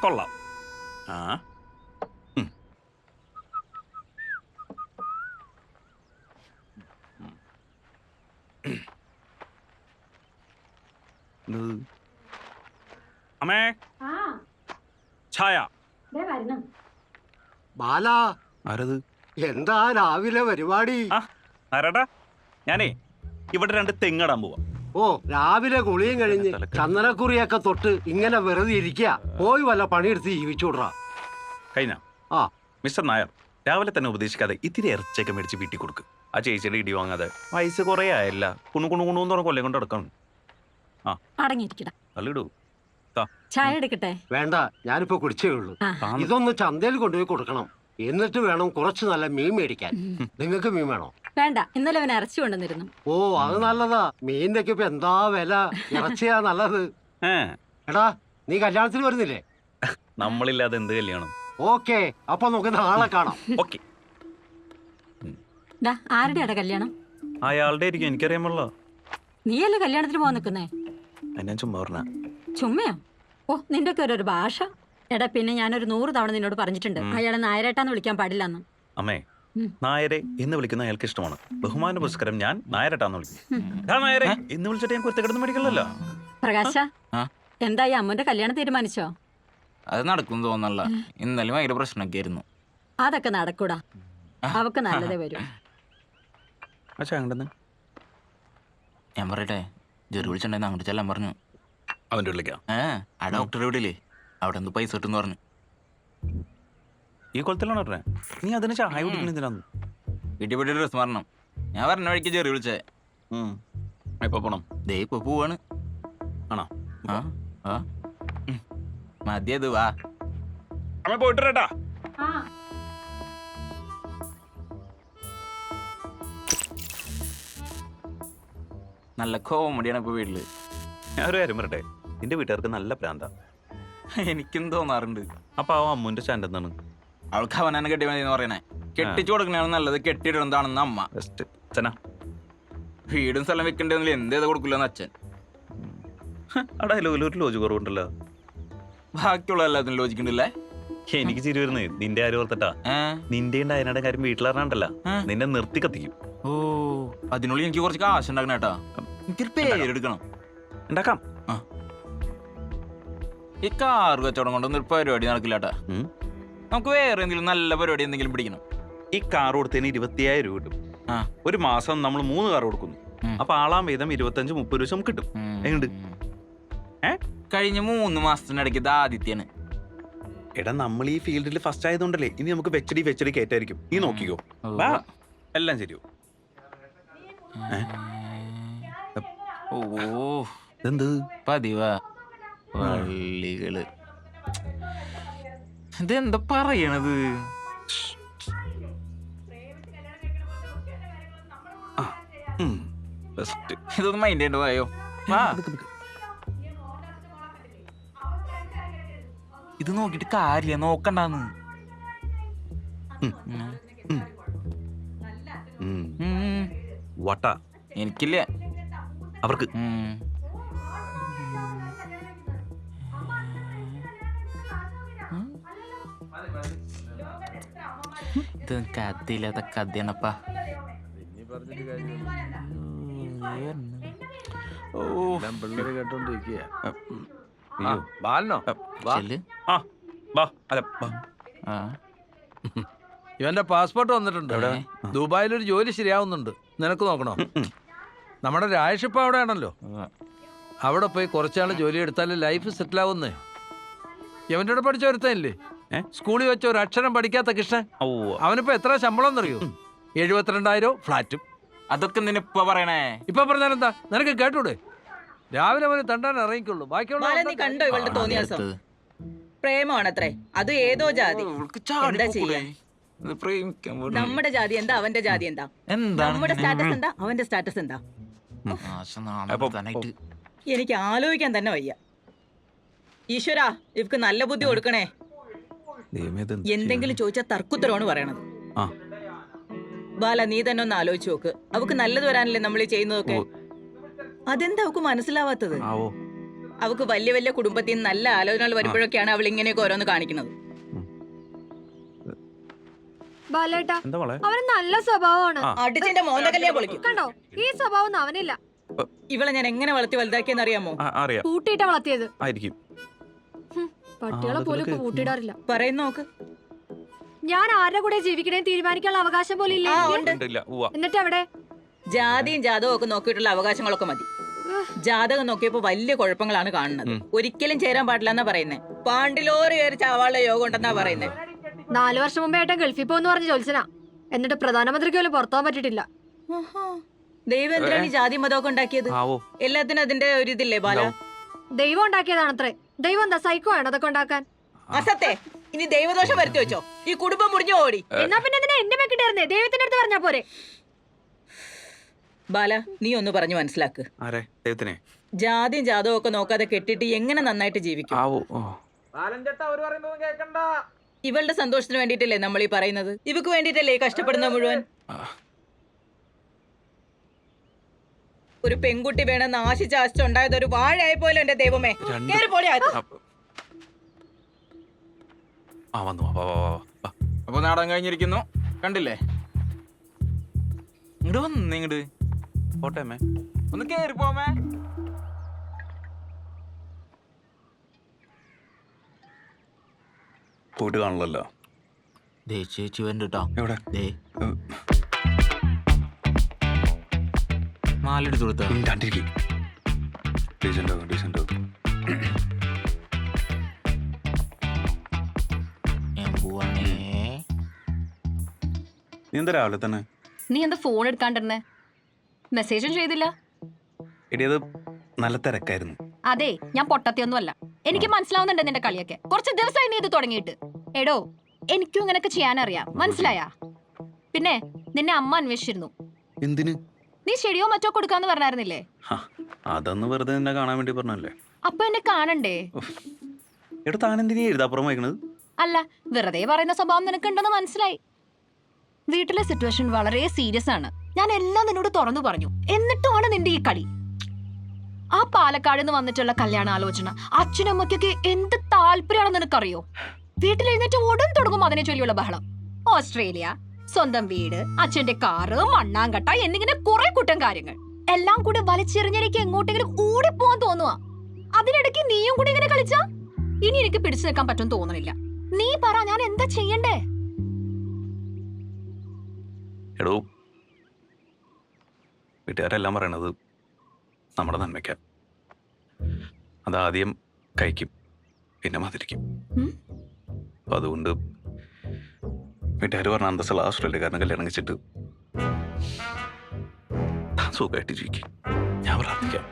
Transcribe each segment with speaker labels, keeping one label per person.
Speaker 1: കൊള്ളാം. ആ അമ്മേ, ഛായ.
Speaker 2: ബാല,
Speaker 1: ആരത്?
Speaker 2: എന്താ രാവിലെ പരിപാടി?
Speaker 1: ആരാടാ? ഞാനേ ഇവിടെ 2 തെങ്ങിടാൻ പോവാ.
Speaker 2: ഓ, രാവിലെ കുളിയും കഴിഞ്ഞ് ചന്ദനക്കുറിയൊക്കെ തൊട്ട് ഇങ്ങനെ വെറുതെ ഇരിക്കുക. പോയി വല്ല പണിയെടുത്ത് ജീവിച്ചുവിടാ.
Speaker 1: കഴിഞ്ഞ
Speaker 2: ആ
Speaker 1: മിസ്റ്റർ നായർ, രാവിലെ തന്നെ ഉപദേശിക്കാതെ ഇത്തിരി ഇറച്ചിയൊക്കെ മേടിച്ച് വീട്ടിൽ കൊടുക്ക്. ആ ചേച്ചിയുടെ ഇടി വാങ്ങാതെ. വയസ്സ് കുറേ ആയല്ല, കുണുകുണുകുണൂന്ന് പറഞ്ഞ കൊല്ലം കൊണ്ട് നടക്കണം. ആ
Speaker 3: അടങ്ങിയിരിക്കടാ.
Speaker 1: അല്ലിടൂ.
Speaker 3: ചായ എടുക്കട്ടെ?
Speaker 2: വേണ്ട, ഞാനിപ്പോ കുടിച്ചേ ഉള്ളൂ. ഇതൊന്ന് ചന്തയിൽ കൊണ്ടുപോയി കൊടുക്കണം. എന്നിട്ട് വേണം കുറച്ച് നല്ല മീൻ മേടിക്കാൻ. നിങ്ങൾക്ക് മീൻ വേണോ?
Speaker 3: വേണ്ട, ഇന്നലെ അവൻ ഇറച്ചി കൊണ്ടുവന്നിരുന്നു.
Speaker 2: ഓ, അത് നല്ലതാ. മീനിന്റെ ഒക്കെ ഇപ്പൊ എന്താ വില. ഇറച്ചിയാ നല്ലത്. എടാ, നീ കല്യാണത്തിന് വരുന്നില്ലേ?
Speaker 1: നമ്മളില്ലാതെ എന്ത് കല്യാണം?
Speaker 2: ഓക്കെ, അപ്പൊ നമുക്ക് നാളെ കാണാം.
Speaker 1: ഓക്കെ.
Speaker 3: ആരുടെയാടാ കല്യാണം?
Speaker 1: അയാളുടെ ആയിരിക്കും, എനിക്കറിയാമല്ലോ.
Speaker 3: നീയല്ലേ കല്യാണത്തിന് പോകാൻ നിൽക്കുന്നേ?
Speaker 1: ഞാൻ ചുമ്മാ പറഞ്ഞ.
Speaker 3: ചുമ്മയോ? ഓ, നിന്റെ ഒക്കെ ഒരു ഭാഷ. എടാ, പിന്നെ ഞാനൊരു 100 തവണ നിന്നോട് പറഞ്ഞിട്ടുണ്ട് അയാളെ നായരേട്ടാന്ന് വിളിക്കാൻ പാടില്ലെന്ന്.
Speaker 1: അമ്മേ, നായരെ എന്ന് വിളിക്കുന്ന അയാൾക്ക് ഇഷ്ടമാണ്. ബഹുമാന പുരസ്കാരം ഞാൻ നായരേട്ടാന്ന് വിളിക്കും. നായരെ എന്ന് വിളിച്ചിട്ട് ഞാൻ കുരുത്തക്കിടന്ന് മേടിക്കണല്ലോ.
Speaker 3: പ്രകാശ, എന്തായി അമ്മന്റെ കല്യാണം തീരുമാനിച്ചോ?
Speaker 4: അത് നടക്കും തോന്നല്ല. ഇന്നലെ ഭയങ്കര പ്രശ്നമൊക്കെ ആയിരുന്നു.
Speaker 3: അതൊക്കെ നടക്കൂടാ, അവക്ക് നല്ലതേ വരും.
Speaker 4: ഞാൻ പറയട്ടെ, ജെറി വിളിച്ചിട്ടുണ്ടെന്ന് അങ്ങോട്ട് ചെല്ലാൻ പറഞ്ഞു.
Speaker 1: അവന്റെ വിളിക്കാം.
Speaker 4: ആ ഡോക്ടറെ വീട്ടിലേ അവിടെ എന്ത് പൈസ കിട്ടും പറഞ്ഞു.
Speaker 1: ഈ കൊലത്തിലാണ് പറഞ്ഞേ. നീ അതിന് ചായ കുടിക്കുന്നതിനാന്ന്
Speaker 4: വീട്ടിൽ പോയിട്ട് ഡ്രസ് മാറണം. ഞാൻ പറഞ്ഞ വഴിക്ക് ജെറി വിളിച്ചേ.
Speaker 1: എപ്പോ പോണം?
Speaker 4: ദേ ഇപ്പൊ പോവാണ്.
Speaker 1: ആണോ?
Speaker 4: മതിയത് വാ.
Speaker 1: അമ്മ പോയിട്ടാ.
Speaker 4: നല്ല കോമഡിയാണ് ഇപ്പൊ വീട്ടില്.
Speaker 1: ഞാൻ ഒരു കാര്യം പറയട്ടെ, നിന്റെ വീട്ടുകാർക്ക് നല്ല പ്രാന്താ.
Speaker 4: എനിക്കും തോന്നാറുണ്ട്.
Speaker 1: അപ്പൊ ആ അമ്മുന്റെ സ്റ്റാൻഡ് എന്താണ്?
Speaker 4: അവൾക്ക് അവനെ കെട്ടി മതി എന്ന് പറയണേ. കെട്ടിച്ചു കൊടുക്കണതാണ് നല്ലത്, കെട്ടിയിടുന്നതാണെന്ന് അമ്മ. വീടും സ്ഥലം വെക്കണ്ടെന്നില്ല, എന്ത് ചെയ്ത് കൊടുക്കില്ലെന്ന് അച്ഛൻ.
Speaker 1: അവിടെ ഒരു ലോജിക് കുറവുണ്ടല്ലോ.
Speaker 4: ബാക്കിയുള്ള എല്ലാത്തിനും ലോജിക്കുണ്ടല്ലേ?
Speaker 1: എനിക്ക് ചിരി വരുന്നേ നിന്റെ ആരും ഓർത്തിട്ടാ. നിന്റെ അയനയുടെ കാര്യം വീട്ടിലറിഞ്ഞാണ്ടല്ല, നിന്നെ നിർത്തി കത്തിക്കും.
Speaker 4: ഓ, അതിനുള്ളിൽ എനിക്ക് കുറച്ച് കാശ് ഉണ്ടാക്കണം കേട്ടാ. എനിക്കൊരു പേരെടുക്കണം.
Speaker 1: ഉണ്ടാക്കാം.
Speaker 4: ഈ കാർ കച്ചവടം കൊണ്ടൊന്നും ഒരു പരിപാടി നടക്കില്ല കേട്ടാ. നമുക്ക് വേറെ എന്തെങ്കിലും നല്ല പരിപാടി എന്തെങ്കിലും പിടിക്കണം.
Speaker 1: ഈ കാർ കൊടുത്തതിന് 25,000 രൂപ കിട്ടും. ഒരു മാസം നമ്മൾ 3 കാർ കൊടുക്കുന്നു. അപ്പൊ ആളാം വീതം 25-30 ദിവസം കിട്ടും. എങ്ങോട്ട്?
Speaker 4: കഴിഞ്ഞ 3 മാസത്തിനിടയ്ക്ക് ഇത് ആദിത്യാണ്.
Speaker 1: എടാ, നമ്മൾ ഈ ഫീൽഡിൽ ഫസ്റ്റ് ആയതുകൊണ്ടല്ലേ ഇനി നമുക്ക് വെച്ചടി കയറ്റായിരിക്കും. നീ നോക്കിക്കോ, എല്ലാം ശരിയോ?
Speaker 4: ഓ,
Speaker 1: എന്ത്
Speaker 4: പതിവാ വള്ളികള്. ഇതെന്താ പറയണത്? ഇതൊന്നും മൈൻഡ് ചെയ്യേണ്ട പോയോ? ഇത് നോക്കിട്ട് കാര്യ നോക്കണ്ടാന്ന്.
Speaker 1: വട്ട
Speaker 4: എനിക്കില്ല,
Speaker 1: അവർക്ക്.
Speaker 4: ഇത് കഥയില്ലാത്ത കഥയാണപ്പാ.
Speaker 5: ഇവന്റെ പാസ്പോർട്ട് വന്നിട്ടുണ്ട്. ദുബായിലൊരു ജോലി ശരിയാവുന്നുണ്ട്, നിനക്ക് നോക്കണോ? നമ്മുടെ രാജേഷിപ്പ അവിടെ ആണല്ലോ. അവിടെ പോയി കുറച്ചാള് ജോലി എടുത്താല് ലൈഫ് സെറ്റിൽ ആവുന്നേ. ഇവന്റെ കൂടെ പഠിച്ച ഒരുത്തല്ലേ, സ്കൂളിൽ വെച്ച ഒരു അക്ഷരം പഠിക്കാത്ത കൃഷ്ണൻ. അവനിപ്പോ എത്ര ശമ്പളം എന്നറിയോ? 72,000 ഫ്ലാറ്റും.
Speaker 4: അതൊക്കെ നിന്നിപ്പ പറയണേ.
Speaker 5: ഇപ്പൊ പറഞ്ഞാലെന്താ, നിനക്ക് കേട്ടൂടെ? രാവിലെ അവന് തണ്ടാൻ ഇറങ്ങിക്കുള്ളൂ. ബാക്കിയുള്ള
Speaker 6: കണ്ടോ ഇവളുടെ തോന്നിയാസം? പ്രേമാണത്രേ, അത് ഏതോ ജാതി. എന്താ ചെയ്യാ? നമ്മുടെ ജാതി എന്താ, അവന്റെ ജാതി എന്താ? നമ്മുടെ സ്റ്റാറ്റസ് എന്താ, അവന്റെ സ്റ്റാറ്റസ് എന്താ? എനിക്ക് ആലോചിക്കാൻ തന്നെ വയ്യ. ഈശ്വരാ, ഇവക്ക് നല്ല ബുദ്ധി കൊടുക്കണേ. എന്തെങ്കിലും ചോദിച്ചാൽ തർക്കുത്തരമാണ് പറയണത്. ബാല, നീ തന്നെ ഒന്ന് ആലോചിച്ച് നോക്ക്. അവക്ക് നല്ലത് വരാനല്ലേ നമ്മൾ ഈ ചെയ്യുന്നതൊക്കെ. അതെന്താ അവക്ക് മനസ്സിലാവാത്തത്? അവക്ക് വലിയ വലിയ കുടുംബത്തിൽ നിന്ന് നല്ല ആലോചനകൾ വരുമ്പോഴൊക്കെയാണ് അവൾ ഇങ്ങനെയൊക്കെ ഓരോന്ന് കാണിക്കുന്നത്.
Speaker 7: ബാലേട്ടാ
Speaker 1: എന്താ മോളെ?
Speaker 7: അവന് നല്ല സ്വഭാവമാണ്.
Speaker 6: അടിച്ചിന്റെ മോന്തകല്ലേ പൊളിക്കും.
Speaker 7: കണ്ടോ, ഈ സ്വഭാവം ഒന്നും അവനില്ല.
Speaker 6: ഇവളെ ഞാൻ എങ്ങനെ വളർത്തി വലുതാക്കിയെന്ന് അറിയാമോ?
Speaker 1: അറിയാം,
Speaker 7: കൂട്ടിയിട്ടാ വളർത്തിയത്.
Speaker 1: ആയിരിക്കും.
Speaker 7: പട്ടികളെ പോലും ഇപ്പൊ കൂട്ടിയിടാറില്ല.
Speaker 6: പറയുന്ന നോക്ക്.
Speaker 7: ഞാൻ ആരുടെ കൂടെ ജീവിക്കണേ തീരുമാനിക്കാനുള്ള അവകാശം പോലും ഇല്ല
Speaker 6: ആ
Speaker 7: എനിക്ക്.
Speaker 6: ഉണ്ട്.
Speaker 1: ഇല്ല, ഉവ്വ.
Speaker 7: എന്നിട്ട് എവിടെ?
Speaker 6: ജാതിയും ജാതകവും ഒക്കെ നോക്കിയിട്ടുള്ള അവകാശങ്ങളൊക്കെ മതി. ജാതകം നോക്കിയപ്പോ വലിയ കുഴപ്പങ്ങളാണ് കാണുന്നത്. ഒരിക്കലും ചേരാൻ പാടില്ല എന്നാ പറയുന്നേ. പാണ്ടിലോറി കയറി ചാവാളുടെ യോഗം ഉണ്ടെന്നാ പറയുന്നേ.
Speaker 7: 4 വർഷം മുമ്പേ ഏട്ടൻ ഗൾഫിൽ പോന്ന് പറഞ്ഞ് ജോത്സന. എന്നിട്ട് പ്രധാനമന്ത്രിക്ക് പോലും പുറത്താൻ പറ്റിയിട്ടില്ല.
Speaker 6: ദൈവം എന്തിനാണ് ഈ ജാതി മതമൊക്കെ ഉണ്ടാക്കിയത്?
Speaker 1: ആവോ.
Speaker 6: എല്ലാത്തിനും അതിന്റെ ഒരു ഇതില്ലേ ബാല?
Speaker 7: ദൈവം ഉണ്ടാക്കിയതാണത്രേ. ദൈവം എന്താ സൈക്കോ ആണ് അതൊക്കെ ഉണ്ടാക്കാൻ?
Speaker 6: അസത്തെ ഇനി ദൈവദോഷം വരുത്തി വെച്ചോ, ഈ കുടുംബം മുറിഞ്ഞു ഓടി.
Speaker 7: എന്നാ പിന്നെ എന്തിനാ എന്നെ വെക്കിട്ടായിരുന്നേ? ദൈവത്തിന്റെ അടുത്ത് പറഞ്ഞാ പോരെ?
Speaker 6: ബാല, നീ ഒന്ന് പറഞ്ഞു മനസ്സിലാക്ക്.
Speaker 1: ആരെ? ദൈവത്തിനെ?
Speaker 6: ജാതിയും ജാതവും ഒക്കെ നോക്കാതെ കെട്ടിട്ട് എങ്ങനെ നന്നായിട്ട് ജീവിക്കും?
Speaker 1: ആവോ.
Speaker 6: ഇവളുടെ സന്തോഷത്തിന് വേണ്ടിയിട്ടല്ലേ നമ്മൾ ഈ പറയുന്നത്? ഇവക്ക് വേണ്ടിയിട്ടല്ലേ ഈ കഷ്ടപ്പെടുന്ന മുഴുവൻ? ഒരു പെൺകുട്ടി വേണമെന്ന് ആശിച്ചാശിച്ചുണ്ടായത് ഒരു വാഴയായി പോലും എന്റെ ദൈവമേ. കേറി പോടി അകത്ത്.
Speaker 1: വന്നു. വാ, വാ, വാ, വാ.
Speaker 4: അപ്പൊ നാടകം കഴിഞ്ഞിരിക്കുന്നു, കണ്ടില്ലേ? ഇങ്ങോട്ട് വന്ന് ഇങ്ങോട്ട്
Speaker 1: പോട്ടെ അമ്മേ.
Speaker 4: ഒന്ന് കേറി പോമേ.
Speaker 1: പോയിട്ട് കാണണല്ലോ.
Speaker 4: ചേച്ചി വരണ്ട കേട്ടോ.
Speaker 1: എവിടെ?
Speaker 4: മാലെടുത്ത് കൊടുത്ത
Speaker 1: മിണ്ടാണ്ടിരിക്കും. ഡീസൻ്റ് ആകും, ഡീസൻ്റ് ആകും. നീ എന്താ രാവിലെ തന്നെ?
Speaker 8: നീ എന്താ ഫോൺ എടുക്കാണ്ടിരുന്നേ? മെസ്സേജും ചെയ്തില്ല.
Speaker 1: എടി, അത് നല്ല തിരക്കായിരുന്നു.
Speaker 8: അതെ, ഞാൻ പൊട്ടത്തിയൊന്നുമല്ല. എനിക്ക് മനസ്സിലാവുന്നുണ്ട് നിന്റെ കളിയൊക്കെ. കുറച്ച് ദിവസമായി നീ ഇത് തുടങ്ങിയിട്ട്. എടോ, എനിക്കും ഇങ്ങനെയൊക്കെ ചെയ്യാനറിയാം, മനസ്സിലായാ? പിന്നെ നിന്നെ അമ്മ അന്വേഷിച്ചിരുന്നു.
Speaker 1: എന്തിന്?
Speaker 8: നീ ചെടിയോ മറ്റോ കൊടുക്കാന്ന് പറഞ്ഞായിരുന്നില്ലേ?
Speaker 1: അതൊന്ന് വെറുതെ നിന്നെ കാണാൻ വേണ്ടി പറഞ്ഞല്ലേ.
Speaker 8: അപ്പൊ എന്നെ കാണണ്ടേ?
Speaker 1: എടാ, താനെന്തിനാ എഴുതാപ്പുറം വായിക്കണത്?
Speaker 8: അല്ല, വെറുതെ പറയുന്ന സ്വഭാവം നിനക്കുണ്ടെന്ന് മനസ്സിലായി. വീട്ടിലെ സിറ്റുവേഷൻ വളരെ സീരിയസ് ആണ്. ഞാൻ എല്ലാം നിന്നോട് തുറന്നു പറഞ്ഞു. എന്നിട്ടുമാണ് നിന്റെ ഈ കളി. ആ പാലക്കാട് നിന്ന് വന്നിട്ടുള്ള കല്യാണ ആലോചന അച്ഛനും അമ്മയ്ക്കൊക്കെ എന്ത് താല്പര്യമാണെന്ന് നിനക്കറിയോ? വീട്ടിലെഴുന്നേറ്റ് ഉടൻ തുടങ്ങും അതിനെ ചൊല്ലിയുള്ള ബഹളം. ഓസ്ട്രേലിയ, സ്വന്തം വീട്, അച്ഛന്റെ കാറ്, മണ്ണാങ്കട്ട എന്നിങ്ങനെ കുറെ കൂട്ടം കാര്യങ്ങൾ എല്ലാം കൂടി വലിച്ചെറിഞ്ഞെനിക്ക് എങ്ങോട്ടെങ്കിലും ഓടിപ്പോവാൻ തോന്നുവാ. അതിനിടയ്ക്ക് നീയും കൂടി ഇങ്ങനെ കളിച്ചാ ഇനി എനിക്ക് പിടിച്ചു നിൽക്കാൻ പറ്റും തോന്നണില്ല. നീ പറ, ഞാൻ എന്താ ചെയ്യണ്ടേ?
Speaker 1: എടോ, വീട്ടുകാരെല്ലാം പറയണത് നമ്മുടെ നന്മയ്ക്കാൻ. അതാദ്യം കഴിക്കും, പിന്നെ മതിരിക്കും. അപ്പൊ അതുകൊണ്ട് വീട്ടുകാർ പറഞ്ഞ അന്തസ്സുള്ള ഓസ്ട്രേലിയക്കാരനെ കല്യാണം കഴിച്ചിട്ട് താൻ സുഖമായിട്ട് ജീവിക്കും. ഞാൻ പ്രാർത്ഥിക്കാം.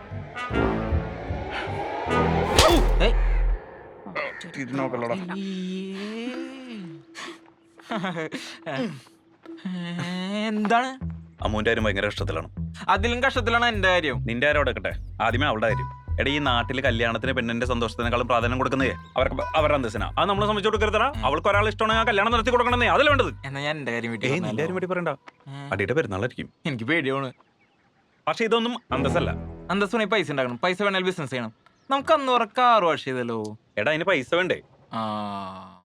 Speaker 4: എന്താണ്?
Speaker 1: അമ്മൂന്റെ കാര്യം ഭയങ്കര കഷ്ടത്തിലാണ്.
Speaker 4: അതിലും കഷ്ടത്തിലാണ് എന്റെ കാര്യം.
Speaker 1: നിന്റെ കാര്യം അവിടെ വെക്കട്ടെ, ആദ്യമേ അവളുടെ കാര്യം. എടാ, ഈ നാട്ടിൽ കല്യാണത്തിന് പെണ്ണിന്റെ സന്തോഷത്തിനേക്കാളും പ്രാധാന്യം കൊടുക്കുന്നേ അവരുടെ അന്തസ്സിനാ. അത് നമ്മൾ സംബന്ധിച്ച് കൊടുക്കരുതാ. അവൾക്ക് ഒരാൾ ഇഷ്ടമാണെങ്കിൽ കല്യാണം നടത്തി കൊടുക്കണമെന്നേ, അതല്ല വേണ്ടത്.
Speaker 4: എന്നാ ഞാൻ എന്റെ കാര്യം
Speaker 1: നിന്റെ കാര്യം വേണ്ടി പറയണ്ട. അടിയുടെ പെരുന്നാളായിരിക്കും.
Speaker 4: എനിക്ക് പേടിയാണ്.
Speaker 1: പക്ഷെ ഇതൊന്നും അന്തസ്സല്ല.
Speaker 4: അന്തസ്സുണി പൈസ ഉണ്ടാക്കണം. പൈസ വേണേൽ ബിസിനസ് ചെയ്യണം. നമുക്ക് അന്ന് കാറ് വാഷ് ചെയ്തല്ലോ.
Speaker 1: എടാ, അതിന് പൈസ വേണ്ടേ?
Speaker 4: ആ